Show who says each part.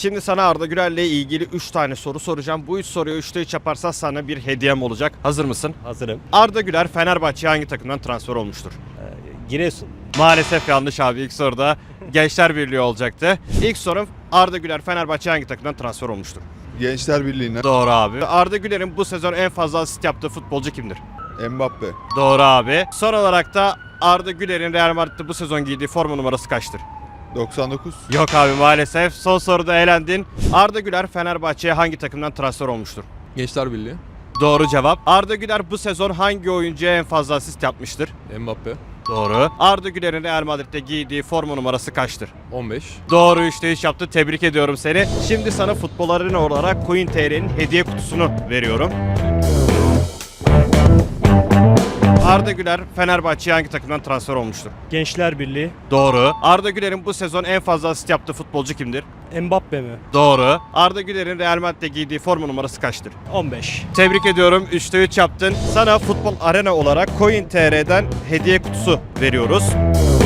Speaker 1: Şimdi sana Arda Güler'le ilgili 3 tane soru soracağım. Bu 3 soruyu 3'te 3 yaparsan sana bir hediyem olacak. Hazır mısın?
Speaker 2: Hazırım.
Speaker 1: Arda Güler Fenerbahçe'ye hangi takımdan transfer olmuştur?
Speaker 2: Giresun.
Speaker 1: Maalesef yanlış abi. İlk soruda Gençler Birliği olacaktı. İlk sorum Arda Güler Fenerbahçe'ye hangi takımdan transfer olmuştur?
Speaker 3: Gençler Birliği'ne.
Speaker 1: Doğru abi. Arda Güler'in bu sezon en fazla asist yaptığı futbolcu kimdir?
Speaker 3: Mbappe.
Speaker 1: Doğru abi. Son olarak da Arda Güler'in Real Madrid'de bu sezon giydiği forma numarası kaçtır?
Speaker 3: 99.
Speaker 1: Yok abi maalesef. Son soruda elendin. Arda Güler Fenerbahçe'ye hangi takımdan transfer olmuştur?
Speaker 4: Gençler Birliği.
Speaker 1: Doğru cevap. Arda Güler bu sezon hangi oyuncuya en fazla asist yapmıştır?
Speaker 4: Mbappe.
Speaker 1: Doğru. Arda Güler'in Real Madrid'de giydiği forma numarası kaçtır?
Speaker 4: 15.
Speaker 1: Doğru, 3'te 3 yaptı. Tebrik ediyorum seni. Şimdi sana Futbol Arena olarak CoinTR'nin hediye kutusunu veriyorum. Arda Güler Fenerbahçe'ye hangi takımdan transfer olmuştur?
Speaker 2: Gençler Birliği.
Speaker 1: Doğru. Arda Güler'in bu sezon en fazla asist yaptığı futbolcu kimdir?
Speaker 2: Mbappe mi?
Speaker 1: Doğru. Arda Güler'in Real Madrid'de giydiği forma numarası kaçtır?
Speaker 2: 15.
Speaker 1: Tebrik ediyorum. 3'te 3 yaptın. Sana Futbol Arena olarak CoinTR'den hediye kutusu veriyoruz.